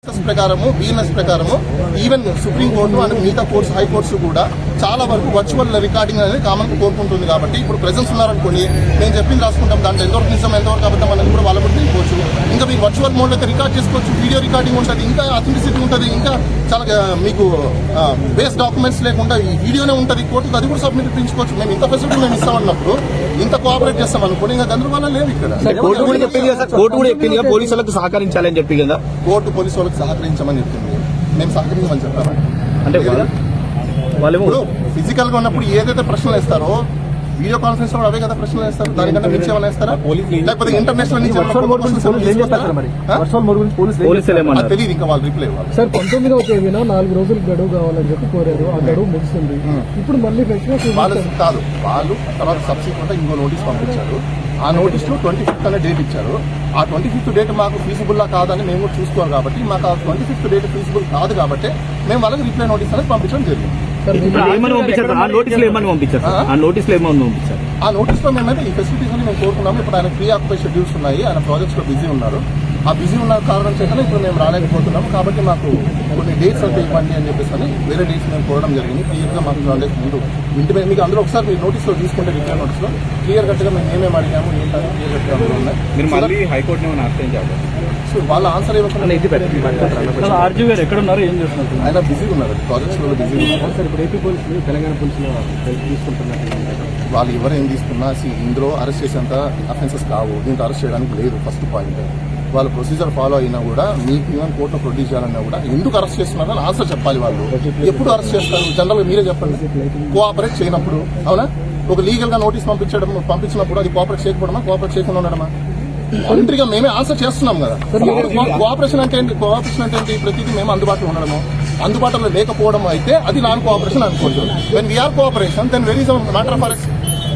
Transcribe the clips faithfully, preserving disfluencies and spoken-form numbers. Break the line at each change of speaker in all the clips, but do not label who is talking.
ప్రకారము బిఎన్ఎస్ ప్రకారము even supreme court and మిగతా కోర్ట్స్ హైకోర్ట్స్ కూడా చాలా వరకు వర్చువల్ రికార్డింగ్ అనేది కామన్ కోరుకుంటుంది. కాబట్టి ఇప్పుడు ప్రెజెన్స్ ఉన్నారనుకోండి, నేను చెప్పింది రాసుకుంటాం, దాంట్లో ఎంతవరకు నిజం ఎంతవరకు అబద్ధం అనేది కూడా వాళ్ళ కూడా తెలియవచ్చు. ఇంకా మీకు వర్చువల్ మోడ్ అయితే రికార్డ్ చేసుకోవచ్చు, వీడియో రికార్డింగ్ ఉంటుంది, ఇంకా అథెంటిసిటీ ఉంటుంది, ఇంకా చాలా మీకు బేస్ డాక్యుమెంట్స్ లేకుండా ఈ వీడియోనే ఉంటుంది, కోర్టుకు అది కూడా సబ్మిట్ ఇప్పించుకోవచ్చు. మేము ఇంత ఫెసిలిటీ మేము ఇస్తామన్నప్పుడు ఇంత కోఆపరేట్ చేస్తాం అనుకోండి, ఇంకా గందరగోళం లేదు ఇక్కడ.
కోర్టు కూడా చెప్పింది కదా, కోర్టు కూడా చెప్పింది కదా పోలీసులకు సహకరించాలని చెప్పి కదా,
కోర్టు పోలీసు వాళ్ళకి సహకరించమని చెప్తుంది, మేము సహకరించమని చెప్పాము.
అంటే వాళ్ళు
ఫిజికల్ గా ఉన్నప్పుడు ఏదైతే ప్రశ్నలు వేస్తారో వీడియో కాన్ఫరెన్స్ లో అవే కదా ప్రశ్నలు వేస్తారు, దానికంటే మించి ఏమైనా వేస్తారా? లేకపోతే ఇంటర్నేషనల్ నుంచి తెలియదు, ఇంకా వాళ్ళు రిప్లై ఇవ్వాలి.
సార్ పంతొమ్మిదవ తేదీన నాలుగు రోజులు గడువు కావాలని చెప్పి కోరారు, ఆ గడువు ముగిసింది. ఇప్పుడు మళ్ళీ
వాళ్ళు కాదు, వాళ్ళు తర్వాత సబ్సిక్వెంట్ ఇంకో నోటీస్ పంపించారు. ఆ నోటీస్ లో ట్వంటీ ఫిఫ్త్ అనే డేట్ ఇచ్చారు. ఆ ట్వంటీ ఫిఫ్త్ డేట్ మాకు ఫీజిబుల్ కాదని మేము కూడా చూసుకోవాలి. కాబట్టి మాకు ఆ ట్వంటీ ఫిఫ్త్ డేట్ ఫీజిబుల్ కాదు కాబట్టి మేము వాళ్ళకి రిప్లై నోటీస్ అనేది పంపించడం జరిగింది.
ఆ నోటీస్
లో మేమైతే ఈ ఫెసిలిటీస్ అని మేము కోరుకున్నాము. ఇప్పుడు ఆయన ప్రీ ఆక్యుపై షెడ్యూల్స్ ఉన్నాయి, ఆయన ప్రాజెక్ట్స్ లో బిజీ ఉన్నారు. ఆ బిజీ ఉన్న కారణం చేత ఇప్పుడు మేము రాలేకపోతున్నాము. కాబట్టి మాకు కొన్ని డేట్స్ అయితే ఇవ్వండి అని చెప్పేసి అని వేరే డేట్స్ మేము కోరడం జరిగింది. క్లియర్ గా మాకు నాలెడ్జ్ ముందు ఇంటి మీద మీకు అందరూ ఒకసారి మీరు నోటీస్ లో తీసుకుంటే రిప్లై నోటీస్ లో క్లియర్ కట్ గా మేము ఏమేమి అడిగాము ఏంటని క్లియర్ కట్ గా అందులో ఉన్నాయి. సో వాళ్ళ ఆన్సర్ ఇవ్వకుండా
ఎక్కడున్నారు, ఏం చేస్తున్నారు?
ఆయన బిజీ ఉన్నారు, ప్రాజెక్ట్స్ లో బిజీ ఉన్నారు.
సార్ ఇప్పుడు ఏపీ పోలీసులు తెలంగాణ పోలీసులు తీసుకుంటున్నారు.
వాళ్ళు ఎవరు ఏం తీసుకున్నా ఇందులో అరెస్ట్ చేసేంత అఫెన్సెస్ కావు, దీంట్లో అరెస్ట్ చేయడానికి లేదు. ఫస్ట్ పాయింట్, వాళ్ళ ప్రొసీజర్ ఫాలో అయినా కూడా మీకు ఈవెన్ కోర్టులో ప్రొడ్యూస్ చేయాలన్నా కూడా ఎందుకు అరెస్ట్ చేస్తున్నారో అని ఆన్సర్ చెప్పాలి. వాళ్ళు ఎప్పుడు అరెస్ట్ చేస్తారు జనరల్ గా మీరే చెప్పండి. కోఆపరేట్ చేయనప్పుడు, అవునా? ఒక లీగల్ గా నోటీస్ పంపించడం పంపించినప్పుడు అది కోఆపరేట్ చేయకపోవడమా, కోఆపరేట్ చేయకుండా ఉండడమా? వాలంటరీగా మేమే ఆన్సర్ చేస్తున్నాం కదా. కోఆపరేషన్ అంటే ఏంటి? కోఆపరేషన్ అంటే ఏంటి? ప్రతిదీ మేము అందుబాటులో ఉండడము, అందుబాటులో లేకపోవడం అయితే అది నాన్ కోఆపరేషన్ అనుకోవచ్చు. When we are cooperation then very matter of arrest.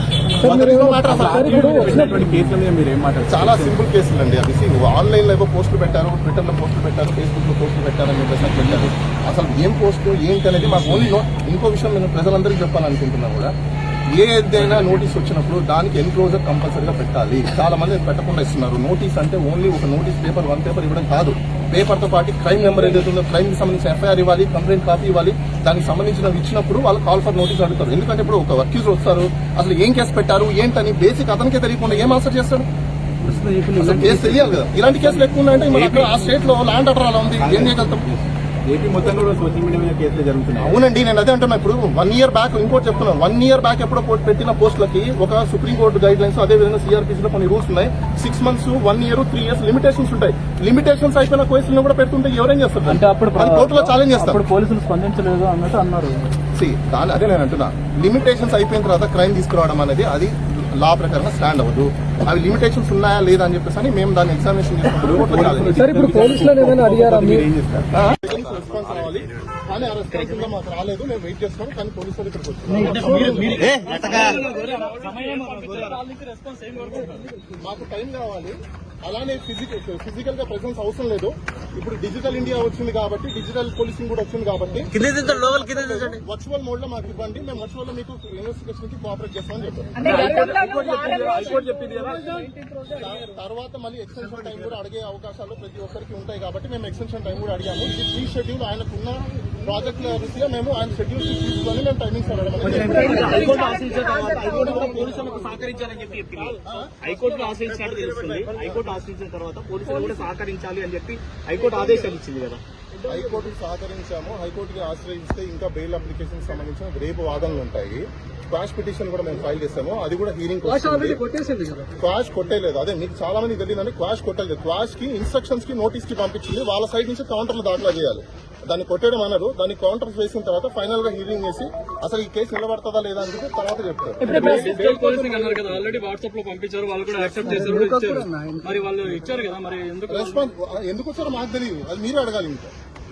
చాలా సింపుల్ కేసులు అండి అవి. ఆన్లైన్ లో ఏవో పోస్టులు పెట్టారు, ట్విట్టర్ లో పోస్టులు పెట్టారు, ఫేస్బుక్ లో పోస్టులు పెట్టారని చెప్పేసి పెట్టారు. అసలు ఏం పోస్ట్ ఏంటి అనేది మాకు ఓన్లీ ఇంకో విషయం నేను ప్రజలందరికీ చెప్పాలనుకుంటున్నా కూడా, ఏదైనా నోటీస్ వచ్చినప్పుడు దానికి ఎన్క్లోజర్ కంపల్సరీగా పెట్టాలి. చాలా మంది పెట్టకుండా ఇస్తున్నారు. నోటీస్ అంటే ఓన్లీ ఒక నోటీస్ పేపర్, వన్ పేపర్ ఇవ్వడం కాదు. పేపర్ తో పాటు క్రైమ్ నెంబర్ ఏదైతే ఉందో క్రైమ్ కి సంబంధించిన ఎఫ్ఐఆర్ ఇవ్వాలి, కంప్లైంట్ కాపీ ఇవ్వాలి. దానికి సంబంధించినవి ఇచ్చినప్పుడు వాళ్ళు కాల్ ఫర్ నోటీస్ అడుగుతారు. ఎందుకంటే ఇప్పుడు ఒక అక్యూజ్ వస్తారు, అసలు ఏం కేసు పెట్టారు ఏంటని బేసిక్ అతనికే తెలియకుండా ఏం ఆన్సర్ చేస్తాడు? కేసు తెలియాలి కదా. ఇలాంటి కేసులు ఎక్కువ ఉన్నాయంటే మన అక్కడ ఆ స్టేట్ లో ల్యాండ్ ఆర్డర్ అలా ఉంది, ఏం చేయగలుగుతాం?
ఏపీ మొత్తం కూడా సోషల్ మీడియా మీద కేసులు జరుగుతున్నాయి.
అవునండి, నేను అదే అంటున్నా. ఇప్పుడు వన్ ఇయర్ బ్యాక్ ఇంకోటి చెప్తున్నాను, వన్ ఇయర్ బ్యాక్ ఎప్పుడో పెట్టిన పోస్టులకి ఒక సుప్రీంకోర్టు గైడ్ లైన్స్, అదే విధంగా సిఆర్పీసీలో కొన్ని రూల్స్ ఉన్నాయి. Six months, one year, three years limitations ఉంటాయి. లిమిటేషన్స్ అయిపోయిన కేసులను కూడా పెడుతుంటే ఎవరేం చేస్తారు?
అంటే అప్పుడు
కోర్టులో ఛాలెంజ్ చేస్తారు.
పోలీసులు స్పందించలేదు అన్నట్టు అన్నారు.
దాని అదే నేను అంటున్నా, లిమిటేషన్స్ అయిపోయిన తర్వాత క్రైమ్ తీసుకురావడం అనేది అది లా ప్రకారంగా స్టాండ్ అవ్వదు. అవి లిమిటేషన్స్ ఉన్నాయా లేదా అని చెప్పేసి అని మేము దాన్ని ఎగ్జామినేషన్ రెస్పాన్స్ రావాలి. కానీ ఆ రెస్పాన్స్ ఇంకా మాకు రాలేదు. మేము వెయిట్ చేస్తాం, కానీ పోలీసులు ఇక్కడికి వచ్చారు. మాకు టైం కావాలి. అలానే ఫిజికల్ ఫిజికల్ గా ప్రెసెన్స్ అవసరం లేదు. ఇప్పుడు డిజిటల్ ఇండియా వచ్చింది కాబట్టి, డిజిటల్ పోలీసింగ్ కూడా వచ్చింది కాబట్టి వర్చువల్ మోడ్ లో మాకు ఇవ్వండి, మేము వర్చువల్ లో మీకు ఇన్వెస్టిగేషన్ కి కోఆపరేట్ చేస్తామని చెప్పారు. తర్వాత మళ్ళీ ఎక్స్టెన్షన్ టైం కూడా అడిగే అవకాశాలు ప్రతి ఒక్కరికి ఉంటాయి కాబట్టి మేము ఎక్స్టెన్షన్ టైం కూడా అడిగాము. ఇది ప్రీ షెడ్యూల్, ఆయనకున్న ప్రాజెక్టుల రీతిగా మేము ఆయన షెడ్యూల్ తీసుకొని మేము టైమింగ్స్ అడగడం.
హైకోర్టు ఆశ్రయించిన తర్వాత పోలీసులు కూడా సహకరించాలి అని చెప్పి హైకోర్టు ఆదేశాలు ఇచ్చింది కదా.
హైకోర్టుకు సహకరించాము. హైకోర్టుకి ఆశ్రయిస్తే ఇంకా బెయిల్ అప్లికేషన్ సంబంధించిన రేపు వాదనలు ఉంటాయి. క్వాష్ పిటిషన్ కూడా మేము ఫైల్ చేస్తాము. అది కూడా హీరింగ్ క్వాష్ కొట్టేలేదు. అదే మీకు చాలా మంది తెలియదండి, క్వాష్ కొట్టలేదు. క్వాష్ కి ఇన్స్ట్రక్షన్స్ కి నోటీస్ కి పంపించింది. వాళ్ళ సైడ్ నుంచి కౌంటర్లు దాఖలా చేయాలి. దాన్ని కొట్టడం అనరు. దాన్ని కౌంటర్స్ వేసిన తర్వాత ఫైనల్ గా హీరింగ్ చేసి అసలు ఈ కేసు నిలబడతాదా లేదా అని చెప్పి తర్వాత చెప్తారు. రెస్పాన్స్ ఎందుకు వచ్చారో మాకు తెలియదు, అది మీరే అడగాలి. ఇంకా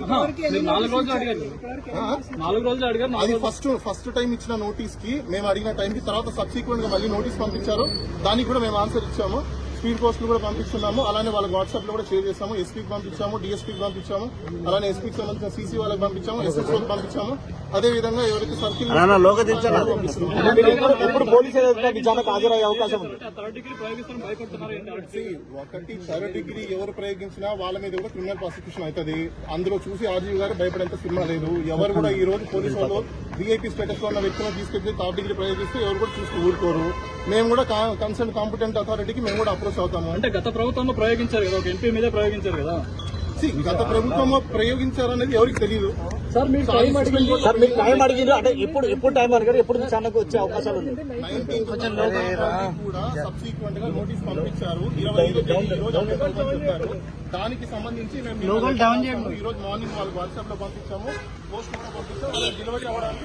అది ఫస్ట్ ఫస్ట్ టైం ఇచ్చిన నోటీస్ కి మేము అడిగిన టైం కి తర్వాత సబ్సిక్వెంట్ గా మళ్ళీ నోటీస్ పంపించారు. దానికి కూడా మేము ఆన్సర్ ఇచ్చాము. స్పీడ్ పోస్టులు కూడా పంపిస్తున్నాము. అలానే వాళ్ళకి వాట్సాప్ లో కూడా షేర్ చేస్తాము. ఎస్పీకి పంపించాము, డిఎస్పీకి పంపించాము, అలానే ఎస్పీకి సంబంధించిన సీసీ వాళ్ళకి పంపించాము, ఎస్ఎస్ఓకి పంపించాము. అదే విధంగా ఎవరైతే సర్కిల్
ఇప్పుడు పోలీసులు విచారణకు హాజరయ్యే అవకాశం ఉంది.
ఒకటి థర్డ్ డిగ్రీ ఎవరు ప్రయోగించినా వాళ్ళ మీద కూడా క్రిమినల్ ప్రాసిక్యూషన్ అవుతుంది. అందులో చూసి ఆర్జీవి గారు భయపడేంత సినిమా లేదు. ఎవరు కూడా ఈ రోజు పోలీసు వాళ్ళు వీఐపీ స్టేటస్ లో ఉన్న వ్యక్తులను తీసుకెళ్లి థర్డ్ డిగ్రీ ప్రయోగిస్తే ఎవరు కూడా చూసి ఊరుకోరు. మేము కూడా కన్సర్న్ కాంపిటెంట్ అథారిటీకి మేము కూడా అప్రోచ్ అవుతాము.
అంటే గత ప్రభుత్వంలో ప్రయోగించారు కదా, ఒక ఎంపీ మీద ప్రయోగించారు కదా.
See, గత ప్రభుత్వంలో ప్రయోగించారనేది ఎవరికి తెలియదు.
సార్ మీరు టైం అడిగింది
సార్ మీకు టైం అడిగిండ్రు అంటే ఇప్పుడు ఎప్పుడు టైం అడిగారు, ఎప్పుడు విచారణకు వచ్చే అవకాశాలు ఉంది?
నైన్టీన్త్ కూడా సబ్సిక్వెంట్ గా నోటీస్ పంపించారు. ఇరవై ఐదు తేదీ ఈ రోజు అప్డేట్ అవ్వమని చెప్పారు. దానికి సంబంధించి మేము ఈ రోజు మార్నింగ్ వాళ్ళకి వాట్సాప్ లో పంపించాము, పోస్ట్ కూడా పంపించాము. డెలివరీ అవ్వడానికి